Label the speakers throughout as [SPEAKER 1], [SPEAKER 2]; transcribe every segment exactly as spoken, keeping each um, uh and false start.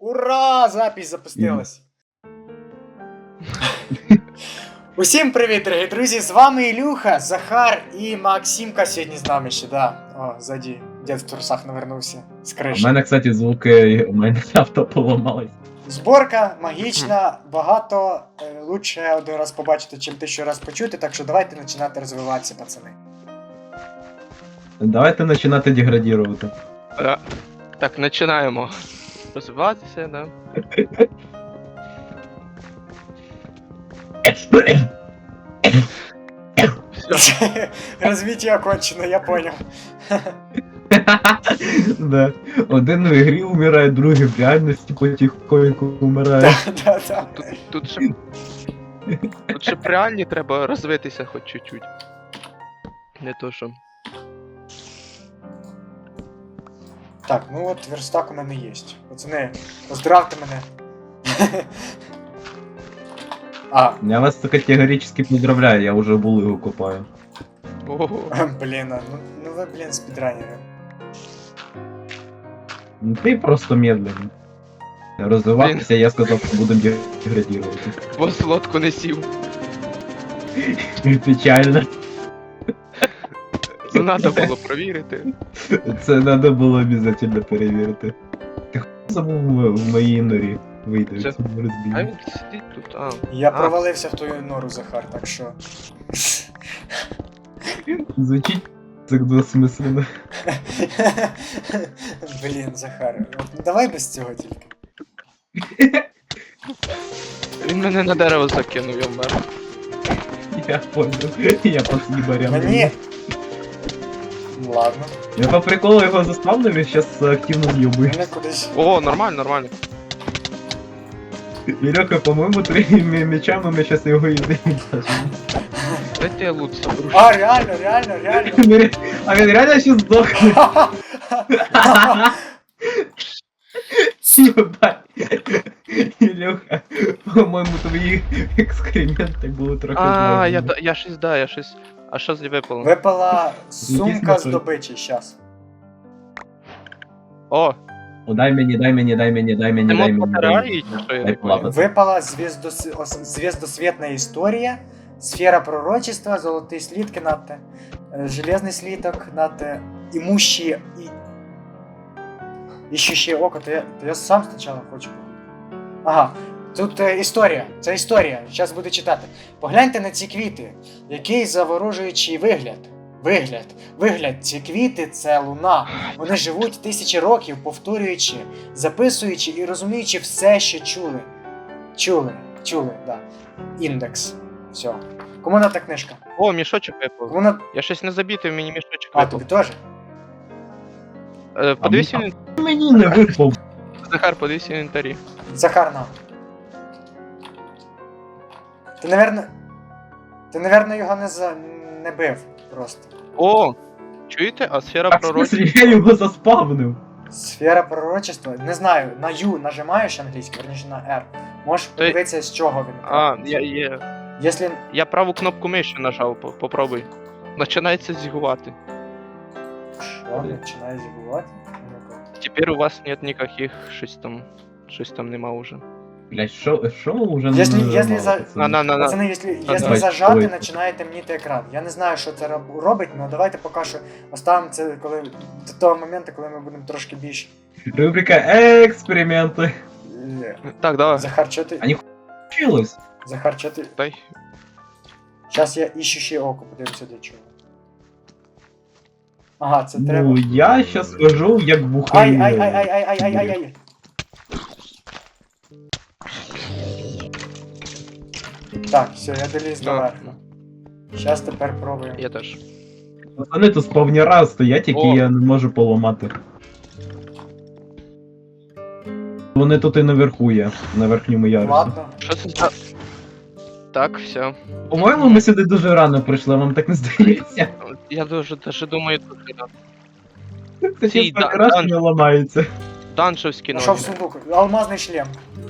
[SPEAKER 1] Ура! Запись запустилась. Усім привіт, дорогі друзі! З вами Ілюха, Захар і Максимка сьогодні з нами ще, да. О, ззаді дід в трусах навернувся з
[SPEAKER 2] У
[SPEAKER 1] криші.
[SPEAKER 2] мене, кстати, звуки, у мене авто поламалось.
[SPEAKER 1] Зборка магічна, багато е, лучше один раз побачити, чим тисячу раз почути, так що давайте починати розвиватися, пацани.
[SPEAKER 2] Давайте починати деградувати.
[SPEAKER 3] Да. Так, починаємо розвиватися, да. Все.
[SPEAKER 1] Розвиття окончено, я понял.
[SPEAKER 2] Да. Один в ігрі умирає, другий в реальності потихоньку умирає.
[SPEAKER 1] Да, да.
[SPEAKER 3] Тут, тут ще. Тут ще в реальні треба розвитися хоч чуть-чуть. Не то що.
[SPEAKER 1] Так, ну от верстак у мене є. Пацани, поздравте мене. А,
[SPEAKER 2] Я вас категорично поздравляю, я вже булигу копаю.
[SPEAKER 3] Ого.
[SPEAKER 1] блін, а, ну, ну ви, блін, спідранери.
[SPEAKER 2] Ну ти просто медленний. Розвиватися, я сказав, що будемо деградувати.
[SPEAKER 3] Бос лодку не сів.
[SPEAKER 2] Печально.
[SPEAKER 3] Це треба було провірити.
[SPEAKER 2] Це треба було обов'язково перевірити. Ти хуй забув в моїй норі вийти в
[SPEAKER 3] Це-
[SPEAKER 2] цьому
[SPEAKER 3] А
[SPEAKER 2] розбій.
[SPEAKER 3] він сидить тут, а.
[SPEAKER 1] Я
[SPEAKER 3] А.
[SPEAKER 1] провалився в твою нору, Захар, так що.
[SPEAKER 2] Звучить так двосмислено.
[SPEAKER 1] Блін, Захар, от давай без цього тільки.
[SPEAKER 3] Він мене на дерево закинув, я вмер.
[SPEAKER 2] Я понял. Я по съебарям.
[SPEAKER 1] Мені. Ну, ладно,
[SPEAKER 2] Я по приколу його заспавнив і зараз активно з'їбую.
[SPEAKER 1] мене кудись.
[SPEAKER 3] О, нормально, нормально.
[SPEAKER 2] Ілюха, по-моєму, трьома мечами ми зараз його і винесемо.
[SPEAKER 3] Дайте я лут заберу.
[SPEAKER 1] А, реально, реально, реально.
[SPEAKER 2] А він реально ще здохне. Єбать. Ілюха, по-моєму, твої екскременти були трохи
[SPEAKER 3] А, я,
[SPEAKER 2] зловні.
[SPEAKER 3] та- я щось, да, я щось. А що з випало?
[SPEAKER 1] Випала сумка з
[SPEAKER 2] напої.
[SPEAKER 1] добичі, щас.
[SPEAKER 3] О,
[SPEAKER 2] О, дай мені, дай мені, дай мені, дай мені,
[SPEAKER 3] ти
[SPEAKER 2] дай
[SPEAKER 3] мод
[SPEAKER 2] мені. дай
[SPEAKER 3] батареї,
[SPEAKER 2] мені.
[SPEAKER 3] чи що я
[SPEAKER 2] Дай
[SPEAKER 3] не понял?
[SPEAKER 2] плавати.
[SPEAKER 1] Випала звездос... ос- звездосвітна історія, сфера пророчества, золотий слитки нате, е, железний слиток нате, імущі і... Іщущее око, то я, то я сам спочатку хочу. Ага, тут е, історія, це історія, зараз буду читати. Погляньте на ці квіти, який заворожуючий вигляд. Вигляд, вигляд, ці квіти це луна. Вони живуть тисячі років, повторюючи, записуючи і розуміючи все, що чули. Чули, чули, да. Індекс. Все. Кому на та книжка?
[SPEAKER 3] О, мішочок випав.
[SPEAKER 1] Кому на...
[SPEAKER 3] Я щось не забітив, мені мішочок
[SPEAKER 1] А,
[SPEAKER 3] випав.
[SPEAKER 1] тобі теж?
[SPEAKER 3] Е, Подивись
[SPEAKER 2] А
[SPEAKER 3] в інвентарі.
[SPEAKER 2] Мені не випав.
[SPEAKER 3] Захар, подивись в інвентарі.
[SPEAKER 1] Захар на. Ти, наверно... Ти, наверно, його не, за... не бив просто.
[SPEAKER 3] О! Чуєте? А сфера
[SPEAKER 2] А в смислі,
[SPEAKER 3] пророчества.
[SPEAKER 2] я його заспавнив.
[SPEAKER 1] Сфера пророчества. Не знаю, на Ю нажимаєш англійською, верніше на R. Можеш
[SPEAKER 3] Ти-
[SPEAKER 1] подивитися, з чого він.
[SPEAKER 3] А, я, я,
[SPEAKER 1] Якщо...
[SPEAKER 3] я праву кнопку миші нажав, по- попробуй. Починається зігувати.
[SPEAKER 1] Що, починає зігувати?
[SPEAKER 3] Тепер у вас нет никаких, щось там, щось там нема уже.
[SPEAKER 2] Блять, що, що вже не
[SPEAKER 1] Якщо-
[SPEAKER 2] нажимало,
[SPEAKER 1] якщо за-
[SPEAKER 2] пацани?
[SPEAKER 3] На, на, на, на.
[SPEAKER 1] Пацани, якщо, якщо
[SPEAKER 2] давай,
[SPEAKER 1] зажати,
[SPEAKER 2] ой.
[SPEAKER 1] починає темніти екран. Я не знаю, що це роб- робить, але давайте поки що оставимо це коли, до того моменту, коли ми будемо трошки більш...
[SPEAKER 2] Рубрика експерименти.
[SPEAKER 1] е,
[SPEAKER 3] Так, давай.
[SPEAKER 1] Захар, що ти?
[SPEAKER 2] А ні- Вчилось.
[SPEAKER 1] Захар, що ти?
[SPEAKER 3] Дай.
[SPEAKER 1] Зараз я іщу ще око, подивимося для чого. Ага, це треба.
[SPEAKER 2] Ну, я щас скажу, як
[SPEAKER 1] Ай,
[SPEAKER 2] бухаю.
[SPEAKER 1] ай, ай, ай, ай, ай, ай, ай, ай. Так, все, я доліз до
[SPEAKER 3] Так.
[SPEAKER 1] верху. Зараз тепер пробуємо.
[SPEAKER 3] Я теж.
[SPEAKER 2] Пацани тут сповняра стоять, які
[SPEAKER 3] О.
[SPEAKER 2] я не можу поламати. Вони тут і наверху є, на верхньому ярусі.
[SPEAKER 1] Ладно.
[SPEAKER 3] Що це за... Так, все.
[SPEAKER 2] По-моєму, ми сюди дуже рано прийшли, вам так не здається?
[SPEAKER 3] Я дуже даже думаю, тут
[SPEAKER 2] Це
[SPEAKER 3] Ці
[SPEAKER 2] чисто
[SPEAKER 3] да-
[SPEAKER 2] краще
[SPEAKER 3] дан-
[SPEAKER 2] не ламається.
[SPEAKER 3] данжевські
[SPEAKER 1] Нашов
[SPEAKER 3] ноги.
[SPEAKER 1] сундук. Алмазний шлем.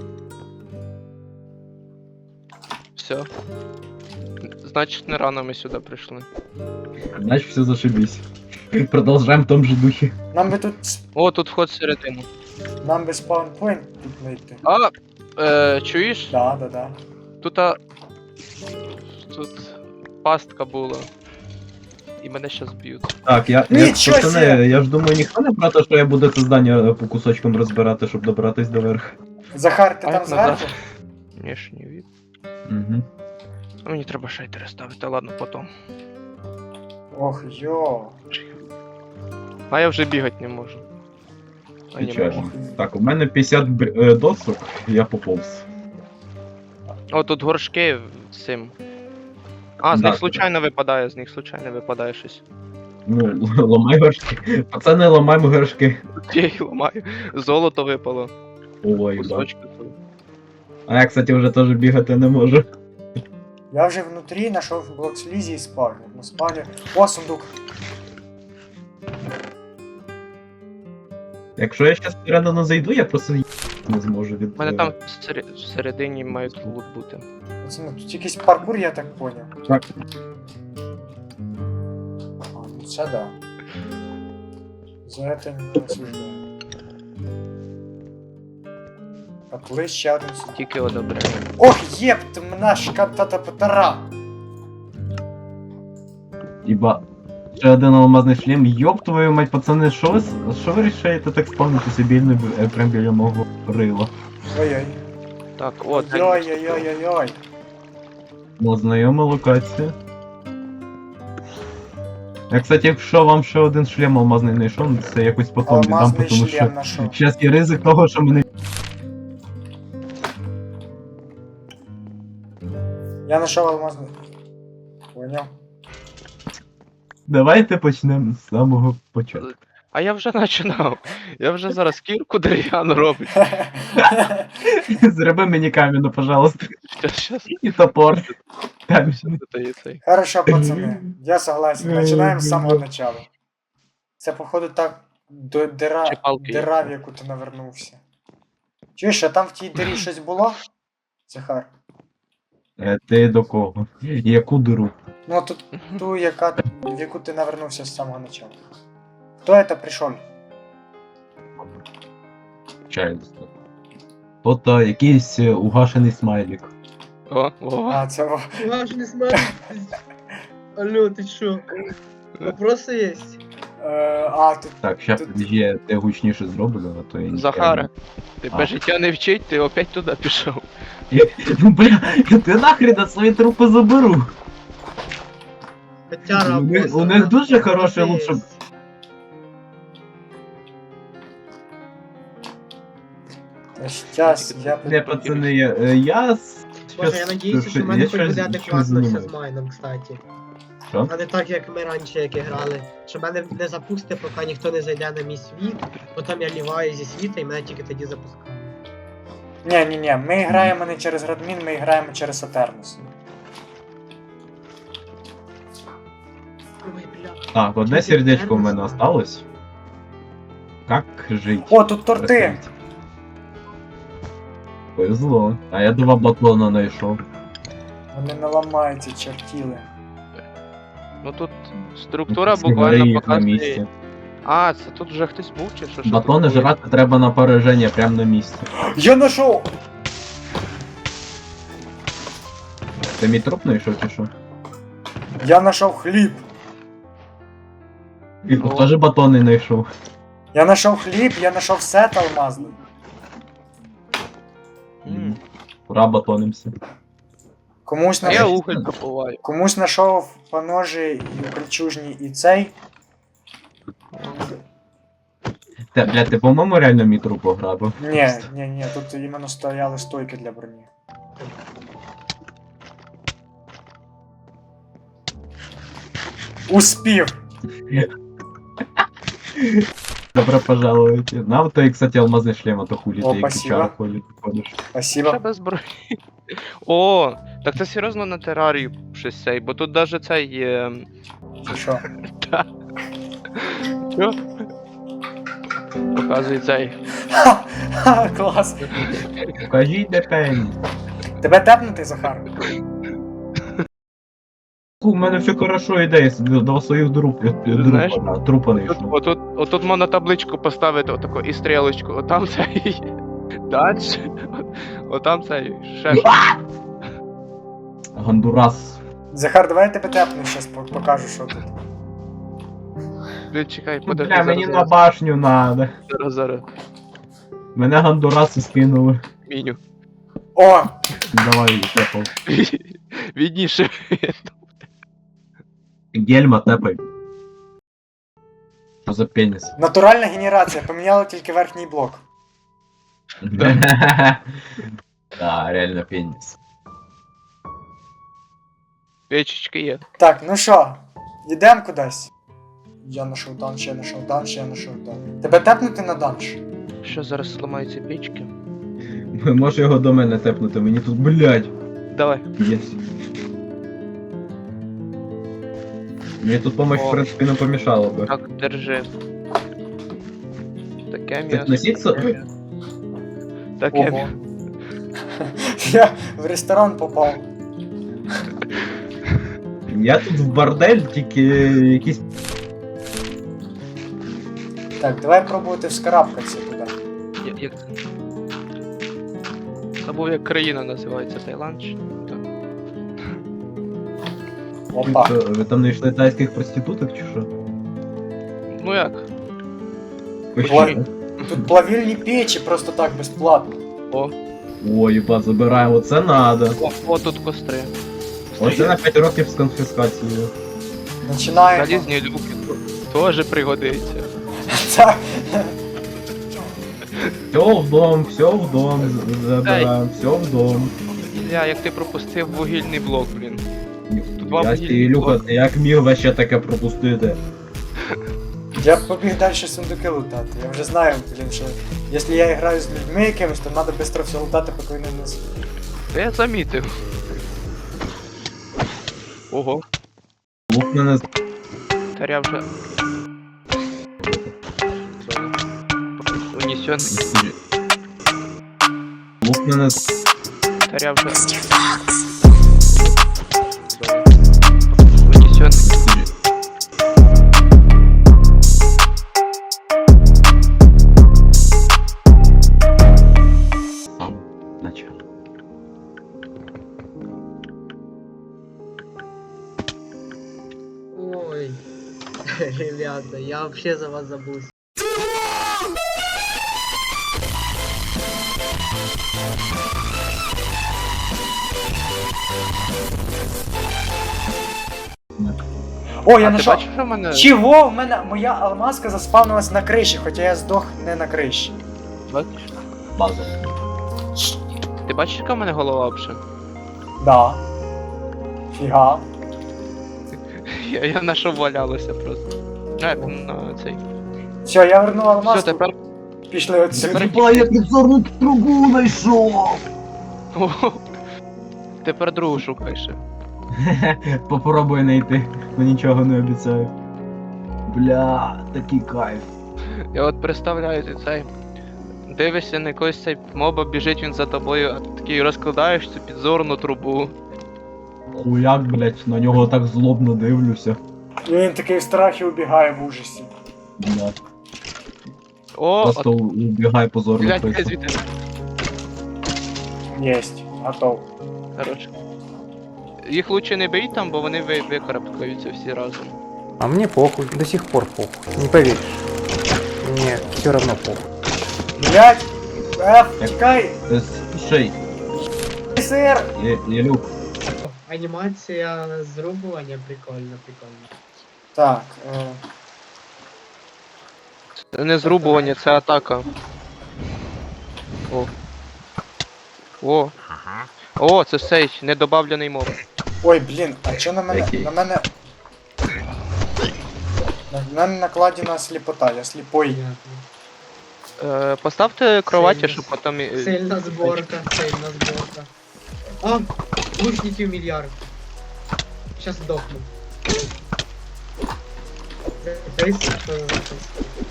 [SPEAKER 3] Все. Значить, не рано ми сюди прийшли.
[SPEAKER 2] Значить, все зашибись. Продовжаємо в тому же духі.
[SPEAKER 1] Нам би тут
[SPEAKER 3] О, тут вход всередину.
[SPEAKER 1] Нам би спаунпойнт тут знайти.
[SPEAKER 3] А, е, чуєш?
[SPEAKER 1] Да, да, да.
[SPEAKER 3] Тут. А... Тут пастка була. І мене щас б'ють.
[SPEAKER 2] Так, я, я,
[SPEAKER 1] Нічого
[SPEAKER 2] пацани,
[SPEAKER 1] себе!
[SPEAKER 2] я ж думаю, ніхто не про те, що я буду це здання по кусочкам розбирати, щоб добратись до верху.
[SPEAKER 1] Захар, ти
[SPEAKER 3] А
[SPEAKER 1] там
[SPEAKER 3] як назад?
[SPEAKER 1] зверху?
[SPEAKER 3] Внешній від.
[SPEAKER 2] Угу.
[SPEAKER 3] Ну, мені треба шейтери ставити, ладно, потом.
[SPEAKER 1] Ох, йо.
[SPEAKER 3] А я вже бігати не можу. А не
[SPEAKER 2] Печально.
[SPEAKER 3] можу.
[SPEAKER 2] Так, у мене п'ятдесят бр- е, досок, я поповз.
[SPEAKER 3] О, тут горшки з цим. А, з
[SPEAKER 2] Да,
[SPEAKER 3] них случайно випадає, з них случайно випадає щось.
[SPEAKER 2] Ну, л- ламай горшки. Пацани, ламаємо горшки.
[SPEAKER 3] Я їх ламаю. Золото випало.
[SPEAKER 2] Ой, да.
[SPEAKER 3] Кусочки. тут.
[SPEAKER 2] А я, кстати, вже теж бігати не можу.
[SPEAKER 1] Я вже внутрі знайшов блок слізі і спавню. На спавні. О, сундук.
[SPEAKER 2] Якщо я зараз всередину зайду, я просто ї- не зможу від.
[SPEAKER 3] У мене там всере- всередині мають лут бути.
[SPEAKER 1] Пацани, тут якийсь паркур, я так поняв.
[SPEAKER 2] Так.
[SPEAKER 1] А, ну це да. За это не осуждаю. Коли ще один сундук.
[SPEAKER 3] Тільки одобряю.
[SPEAKER 1] Ох, єпт, мене шкатата патара.
[SPEAKER 2] Іба. Ще один алмазний шлем. Йоп твою мать, пацани, що ви, с- що ви рішаєте так спавнити собі не б- е, прям біля мого рила?
[SPEAKER 1] Ой-ой.
[SPEAKER 3] Так, о, це.
[SPEAKER 1] Ой-ой-ой-ой-ой.
[SPEAKER 2] Ну, знайома локація. Я, кстати, якщо вам ще один шлем алмазний знайшов, це якось потім віддам,
[SPEAKER 1] Алмазний
[SPEAKER 2] тому що
[SPEAKER 1] шлем нашов.
[SPEAKER 2] зараз є ризик того, що мене.
[SPEAKER 1] Я знайшов алмазний. Поняв.
[SPEAKER 2] Давайте почнемо з самого початку.
[SPEAKER 3] А я вже починав. Я вже зараз кірку дерев'яну роблю.
[SPEAKER 2] Зроби мені камінь, пожалуйста.
[SPEAKER 3] Щас, щас.
[SPEAKER 2] І топор. Камінь.
[SPEAKER 3] Це є цей.
[SPEAKER 1] Хорошо, пацани. Я согласен. Начинаем з самого начала. Це, походу, так до дира,
[SPEAKER 3] Чи палки є?
[SPEAKER 1] дира, в яку ти навернувся. Чуєш, а там в тій дирі щось було? Захар.
[SPEAKER 2] Е, Ти до кого? Яку диру?
[SPEAKER 1] Ну, тут ту, яка, в яку ти навернувся з самого начала. Хто це прийшов?
[SPEAKER 2] Чаю. Тут а, якийсь е, угашений смайлік.
[SPEAKER 3] О, о.
[SPEAKER 1] А, це во-
[SPEAKER 4] Ваш не смотрит. Алло, ты чё? Вопросы есть?
[SPEAKER 1] Е, а, тут
[SPEAKER 2] Так, щас
[SPEAKER 1] Тут-
[SPEAKER 2] я те гучніше зроблю, а то я не
[SPEAKER 3] Захара, тебе
[SPEAKER 2] А.
[SPEAKER 3] життя не вчить, ти опять туди пішов.
[SPEAKER 2] Ну бля, ти нахрена свої трупи заберу.
[SPEAKER 4] Хотя
[SPEAKER 2] У них-
[SPEAKER 4] работа.
[SPEAKER 2] у них дуже хороший
[SPEAKER 4] Вопросы
[SPEAKER 2] лут, щоб-
[SPEAKER 4] есть.
[SPEAKER 1] щас, я
[SPEAKER 2] Не, пацани, я, е, я с-
[SPEAKER 4] Боже,
[SPEAKER 2] щас-
[SPEAKER 4] я надіюся, що в
[SPEAKER 2] я
[SPEAKER 4] мене хоч
[SPEAKER 2] щось-
[SPEAKER 4] буде
[SPEAKER 2] щось
[SPEAKER 4] адекватно все
[SPEAKER 2] займаюсь.
[SPEAKER 4] з майном, кстати.
[SPEAKER 2] Що?
[SPEAKER 4] А не так, як ми раніше як і грали. Що мене не запустить, поки ніхто не зайде на мій світ, потім я ліваю зі світа і мене тільки тоді запускають.
[SPEAKER 1] Ні, ні, ні, ми граємо не через Радмін, ми граємо через Атернус.
[SPEAKER 4] Ой, бля.
[SPEAKER 2] Так, одне сердечко в мене осталось. Как жить?
[SPEAKER 1] О, тут торти!
[SPEAKER 2] Повезло. А я два батона знайшов.
[SPEAKER 1] Вони не ламаються, чертіли.
[SPEAKER 3] Ну тут структура
[SPEAKER 2] Всі гори
[SPEAKER 3] буквально
[SPEAKER 2] їх на
[SPEAKER 3] показує.
[SPEAKER 2] місці.
[SPEAKER 3] А, це тут вже хтось був чи що? Що
[SPEAKER 2] Батони
[SPEAKER 3] тут було?
[SPEAKER 2] жрати треба на пораження прямо на місці.
[SPEAKER 1] Я знайшов!
[SPEAKER 2] Ти мій труп знайшов чи що?
[SPEAKER 1] Я знайшов хліб!
[SPEAKER 2] І тут теж батони знайшов.
[SPEAKER 1] Я знайшов хліб, я знайшов сет алмазний.
[SPEAKER 3] М.
[SPEAKER 2] Ура, батонимся.
[SPEAKER 1] Комусь
[SPEAKER 3] А я
[SPEAKER 1] знайшов.
[SPEAKER 3] уголь добуваю.
[SPEAKER 1] Комусь знайшов поножі і кольчужні і цей.
[SPEAKER 2] Те, бля, ти по-моєму реально мій труп пограбив.
[SPEAKER 1] Ні, ні, ні, тут іменно стояли стойки для броні. Успів!
[SPEAKER 2] Добро пожалуйте. Нам то, кстати, алмазний шлем, а то хулі
[SPEAKER 1] О,
[SPEAKER 2] ти як
[SPEAKER 1] спасибо.
[SPEAKER 2] чара ходиш. ходиш.
[SPEAKER 1] Спасибо.
[SPEAKER 3] Ще без зброї. О, так це серйозно на терарію щось цей, бо тут даже цей є.
[SPEAKER 1] Чи що?
[SPEAKER 3] Що? Показує цей.
[SPEAKER 1] Ха! Клас!
[SPEAKER 2] Покажіть, де пень.
[SPEAKER 1] Тебе тепнути, Захар?
[SPEAKER 2] зв'язку, в мене все хорошо йде, я собі до своїх друп,
[SPEAKER 3] Знаєш,
[SPEAKER 2] трупа, трупа не
[SPEAKER 3] Тут,
[SPEAKER 2] йшов.
[SPEAKER 3] отут, отут можна табличку поставити отаку і стрілочку. Отам цей. Дальше. Отам цей. Ще щось.
[SPEAKER 2] Гондурас.
[SPEAKER 1] Захар, давай я тебе тепну, щас по- покажу, що тут.
[SPEAKER 3] Блін, чекай, подожди,
[SPEAKER 2] Бля,
[SPEAKER 3] зараз,
[SPEAKER 2] мені на
[SPEAKER 3] зараз,
[SPEAKER 2] башню надо.
[SPEAKER 3] зараз, зараз.
[SPEAKER 2] Мене гондураси скинули.
[SPEAKER 3] Міню.
[SPEAKER 1] О!
[SPEAKER 2] Давай, тепав.
[SPEAKER 3] Відніше.
[SPEAKER 2] Гельма тепай. Що за пеніс?
[SPEAKER 1] Натуральна генерація, поміняли тільки верхній блок.
[SPEAKER 2] Да, реально пеніс.
[SPEAKER 3] Печечки є.
[SPEAKER 1] Так, ну що, йдемо кудись. Я нашов данж, я нашов данж, я нашов данж. Тебе тепнути на данж?
[SPEAKER 3] Що зараз зламаються печки?
[SPEAKER 2] Може його до мене тепнути, мені тут, блядь.
[SPEAKER 3] Давай.
[SPEAKER 2] Єс. Мені тут помощь,
[SPEAKER 3] О.
[SPEAKER 2] в принципі, не помішала би.
[SPEAKER 3] Так, держи. Таке
[SPEAKER 2] Так
[SPEAKER 3] м'ясо.
[SPEAKER 2] носиться?
[SPEAKER 3] таке м'ясо. Таке
[SPEAKER 1] Ого.
[SPEAKER 3] м'ясо.
[SPEAKER 1] Я в ресторан попав.
[SPEAKER 2] Я тут в бордель, тільки якісь.
[SPEAKER 1] Так, давай пробувати вскарабкатися туди.
[SPEAKER 3] Я- Як... Забув, як країна називається, Таїланд чи? Так.
[SPEAKER 1] Опа.
[SPEAKER 2] Що, ви там не йшли тайських проституток чи що?
[SPEAKER 3] Ну як?
[SPEAKER 2] Ви
[SPEAKER 1] Ой.
[SPEAKER 2] що?
[SPEAKER 1] Тут плавільні печі просто так безплатно.
[SPEAKER 3] О,
[SPEAKER 2] О, їба, забираємо, це надо.
[SPEAKER 3] о, о, тут костри.
[SPEAKER 2] Оце на п'ять років з конфіскацією.
[SPEAKER 1] Починаємо.
[SPEAKER 3] Залізні люки теж пригодиться.
[SPEAKER 1] Так.
[SPEAKER 2] Все в дом, все в дом, забираємо, все в дом.
[SPEAKER 3] Ілля, як ти пропустив вугільний блок, блін. Два
[SPEAKER 2] Я
[SPEAKER 3] вугільні
[SPEAKER 2] Ілюха,
[SPEAKER 3] блоки.
[SPEAKER 2] як міг вообще таке пропустити?
[SPEAKER 1] Я побіг далі сундуки лутати. Я вже знаю, блін, що якщо я граю з людьми якимось, то треба швидко все лутати, поки вони не з-
[SPEAKER 3] Та я замітив. Ого,
[SPEAKER 2] Лук мене з-
[SPEAKER 3] таря вже. Унесен,
[SPEAKER 2] Лук мене з-
[SPEAKER 3] таря вже. Унесен.
[SPEAKER 2] сам начав.
[SPEAKER 4] Ой. Ребята, я вообще за вас забыл.
[SPEAKER 1] О, я
[SPEAKER 3] А ти
[SPEAKER 1] нашов.
[SPEAKER 3] бачиш, що в мене?
[SPEAKER 1] Чого? В мене моя алмазка заспавнилась на криші, хоча я здох не на криші.
[SPEAKER 3] Бачиш?
[SPEAKER 2] База.
[SPEAKER 3] Ти бачиш, яка в мене голова вже?
[SPEAKER 1] Да. Фіга.
[SPEAKER 3] Я, я на що валялося просто. А, на цей.
[SPEAKER 1] Все, я вернув алмазку.
[SPEAKER 3] Все, тепер.
[SPEAKER 1] Пішли отсюди.
[SPEAKER 3] Тепер-
[SPEAKER 2] Єба, я підзорну трубу знайшов!
[SPEAKER 3] О, тепер другу шукай ще.
[SPEAKER 2] Попробуй знайти, но нічого не обіцяю. Бля, такий кайф.
[SPEAKER 3] Я от представляю ти цей. Дивишся на якогось цей моба, біжить він за тобою, а ти такий розкладаєш цю підзорну трубу.
[SPEAKER 2] Хуяк, блять, на нього так злобно дивлюся.
[SPEAKER 1] І він такий в страхі убігає в ужасі.
[SPEAKER 2] Бля,
[SPEAKER 3] О,
[SPEAKER 2] просто
[SPEAKER 3] от,
[SPEAKER 2] убігай позорно.
[SPEAKER 3] блядь,
[SPEAKER 2] писа.
[SPEAKER 3] звідти.
[SPEAKER 1] Єсть, готов.
[SPEAKER 3] Хорош. Їх лучше не бий там, бо вони ви, викарабкаються всі разом.
[SPEAKER 5] А мне похуй, до сих пор похуй. Не поверишь. Мне все равно похуй.
[SPEAKER 1] Блять! Еф, тікай!
[SPEAKER 2] Е, Слушай,
[SPEAKER 1] Сир!
[SPEAKER 2] Є- Єлюк,
[SPEAKER 4] Анімація зрубування прикольно, прикольно.
[SPEAKER 1] Так, е,
[SPEAKER 3] Це не зрубування, це атака. О. О. О, це цей недобавлений моб.
[SPEAKER 1] ой, блін, а чо на мене.
[SPEAKER 2] Який?
[SPEAKER 1] На мене. На мене накладена сліпота, я сліпой.
[SPEAKER 4] Понятно.
[SPEAKER 3] Е, поставте кроваті,
[SPEAKER 4] Сильно.
[SPEAKER 3] щоб потім. і-
[SPEAKER 4] Сильна зборка, сильна зборка. А, лучників мільярд. Щас здохну. Дивись, що за запис.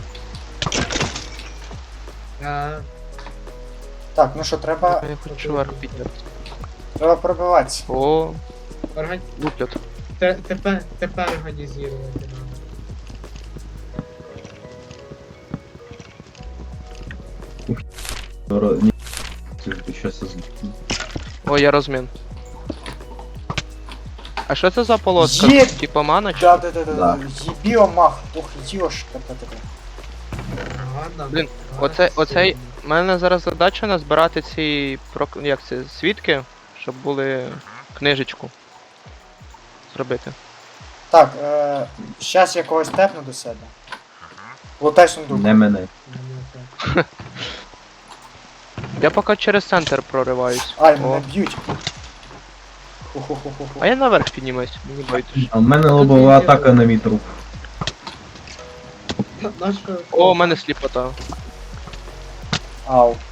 [SPEAKER 4] А,
[SPEAKER 1] Так, ну що, треба.
[SPEAKER 3] Я хочу вверх підняти.
[SPEAKER 1] Треба пробиватися.
[SPEAKER 3] О,
[SPEAKER 4] орган...
[SPEAKER 3] луплять.
[SPEAKER 4] Те- Тепер, тепер організувати надо.
[SPEAKER 2] Ро- ні, це щас я з-
[SPEAKER 3] О, я розмін. А що це за полоска?
[SPEAKER 1] Є!
[SPEAKER 3] Типа мана чи?
[SPEAKER 1] Да, да, да, да,
[SPEAKER 2] Да.
[SPEAKER 1] да. Єбіомах. Ох, йошка, та таке.
[SPEAKER 4] Ладно.
[SPEAKER 3] Блін,
[SPEAKER 4] ладно,
[SPEAKER 3] оце- оцей-
[SPEAKER 4] сильно.
[SPEAKER 3] У мене зараз задача назбирати ці прок... як це, свідки, щоб були книжечку. Зробити.
[SPEAKER 1] Так, е, щас я когось тепну до себе. Лутай сундук.
[SPEAKER 2] Не мене.
[SPEAKER 4] Мене так.
[SPEAKER 3] Я поки через центр прориваюсь.
[SPEAKER 1] Ай,
[SPEAKER 3] О.
[SPEAKER 1] мене б'ють. Ху-ху-ху-ху-ху.
[SPEAKER 3] А я наверх піднімусь, мені байдуже.
[SPEAKER 2] А в мене лобова атака на мій труп.
[SPEAKER 4] Нащо?
[SPEAKER 3] О, у мене сліпота.
[SPEAKER 1] Ау.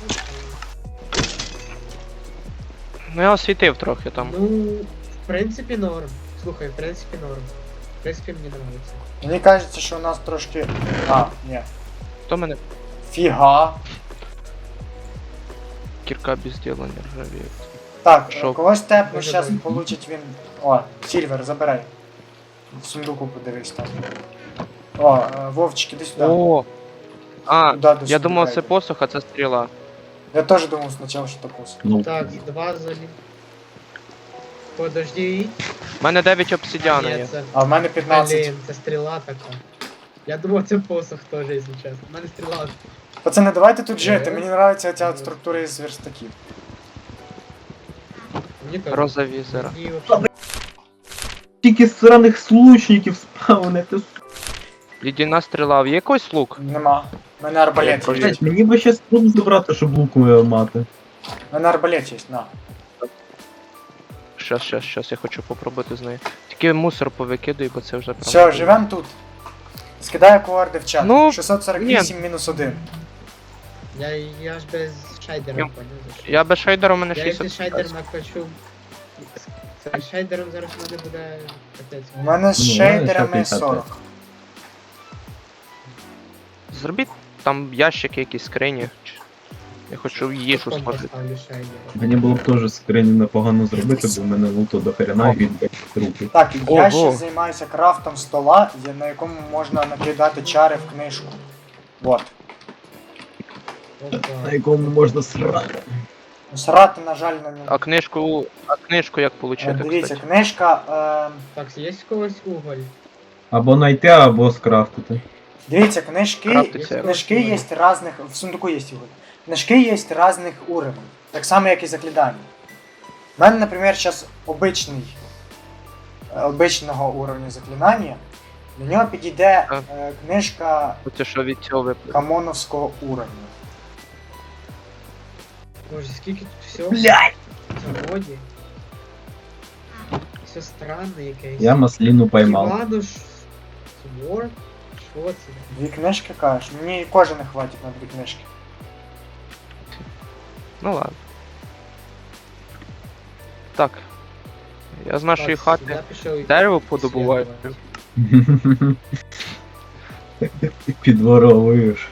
[SPEAKER 3] Ну я освітив трохи там.
[SPEAKER 4] Ну, в принципі, норм. Слухай, в принципі, норм. В принципі, мені подобається.
[SPEAKER 1] Мені кажеться, що у нас трошки. А, ні.
[SPEAKER 3] Хто мене?
[SPEAKER 1] Фіга.
[SPEAKER 3] Кірка без діла не ржавіє.
[SPEAKER 1] Так,
[SPEAKER 3] Що?
[SPEAKER 1] е, когось тепну,
[SPEAKER 4] Може,
[SPEAKER 1] щас
[SPEAKER 4] дай.
[SPEAKER 1] получить він. О, Сільвер, забирай. В сундуку подивись там. О, е, Вовчик, іди сюди.
[SPEAKER 3] О! А,
[SPEAKER 1] Туди, до
[SPEAKER 3] я
[SPEAKER 1] сундука
[SPEAKER 3] думав це
[SPEAKER 1] йди.
[SPEAKER 3] посох, а це стріла.
[SPEAKER 1] Я теж думав спочатку, що це пус.
[SPEAKER 2] Ну,
[SPEAKER 4] Так, два залі. Подожди.
[SPEAKER 3] У мене дев'ять обсидіана
[SPEAKER 4] Ні,
[SPEAKER 3] є.
[SPEAKER 4] це...
[SPEAKER 1] А в мене п'ятнадцять.
[SPEAKER 4] Блін, це стріла така. Я думав, це посох теж, якщо чесно. У мене стріла.
[SPEAKER 1] Пацани, давайте тут жити.
[SPEAKER 4] Е.
[SPEAKER 1] Мені подобається ця структура із верстаків.
[SPEAKER 4] Мені теж.
[SPEAKER 3] Роза візера.
[SPEAKER 4] Мені вообще-
[SPEAKER 2] тільки сраних случників спавнити.
[SPEAKER 3] Єдина стріла. Є якийсь лук?
[SPEAKER 1] Нема. У мене арбалет
[SPEAKER 3] Я
[SPEAKER 1] є.
[SPEAKER 2] Блять, мені би щас труп забрати, щоб луку мати.
[SPEAKER 1] У мене арбалет є, на.
[SPEAKER 3] Щас, щас, щас, я хочу попробувати з нею. Тільки мусор повикидуй, бо це вже прям.
[SPEAKER 1] Все, живем тут. Скидаю коорди в чат.
[SPEAKER 3] Ну,
[SPEAKER 1] шістсот сорок вісім мінус один.
[SPEAKER 4] Я, я ж без шайдера
[SPEAKER 3] Я-
[SPEAKER 4] понял. за що.
[SPEAKER 3] Я без шейдера у мене
[SPEAKER 4] Я якщо
[SPEAKER 3] шістдесят.
[SPEAKER 4] шайдер накачу. Це шайдером зараз в мене буде капець.
[SPEAKER 1] У мене з
[SPEAKER 2] Ну,
[SPEAKER 1] шейдерами
[SPEAKER 2] п'ятдесят.
[SPEAKER 1] сорок.
[SPEAKER 3] Зробіть там ящики, якісь скрині. Чи- Я хочу їжу
[SPEAKER 4] Потім
[SPEAKER 3] смажити.
[SPEAKER 4] поставлю шайдера.
[SPEAKER 2] Мені було б теж скрині непогано зробити, бо в мене луту до хрена і він трупи.
[SPEAKER 1] Так, я
[SPEAKER 3] Ого.
[SPEAKER 1] ще займаюся крафтом стола, я- на якому можна накидати чари в книжку. Вот.
[SPEAKER 2] На
[SPEAKER 4] Опа.
[SPEAKER 2] якому можна срати.
[SPEAKER 1] Срати, на жаль, на ньому.
[SPEAKER 3] А книжку. А книжку як
[SPEAKER 1] Е,
[SPEAKER 3] получити,
[SPEAKER 1] Дивіться,
[SPEAKER 3] кстати?
[SPEAKER 1] книжка. Е,
[SPEAKER 4] Так, є в когось уголь.
[SPEAKER 2] Або знайти, або скрафтити.
[SPEAKER 1] дивіться, книжки.
[SPEAKER 3] Крафтиться.
[SPEAKER 1] Книжки є різних. В сундуку є його. Книжки є різних уровнів. Так само, як і заклідання. У мене, наприклад, зараз обичний. е, Обичного уровня заклинання. До нього підійде
[SPEAKER 3] А.
[SPEAKER 1] е, книжка
[SPEAKER 3] Оце що від цього випаде.
[SPEAKER 1] камоновського уровня.
[SPEAKER 4] Боже, скільки тут всього
[SPEAKER 2] Блять!
[SPEAKER 4] в заводі. Все странне якесь.
[SPEAKER 2] Я масліну поймав.
[SPEAKER 4] Івануш. Свор? Що це?
[SPEAKER 1] Дві книжки кажеш? Мені кожен не хватить на дві книжки.
[SPEAKER 3] Ну ладно. Так. Я з нашої
[SPEAKER 4] Так,
[SPEAKER 3] хати
[SPEAKER 4] я пішов
[SPEAKER 3] дерево подобуваю.
[SPEAKER 4] ісследувати.
[SPEAKER 2] Підворовуєш.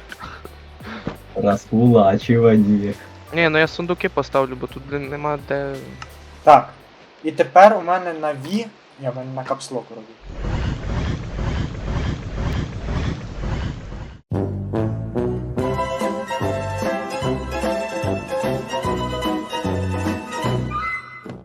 [SPEAKER 2] Розкулачування.
[SPEAKER 3] Ні, ну я сундуки поставлю, бо тут блін, нема де.
[SPEAKER 1] Так. І тепер у мене на V. Я в мене на капслок роблю.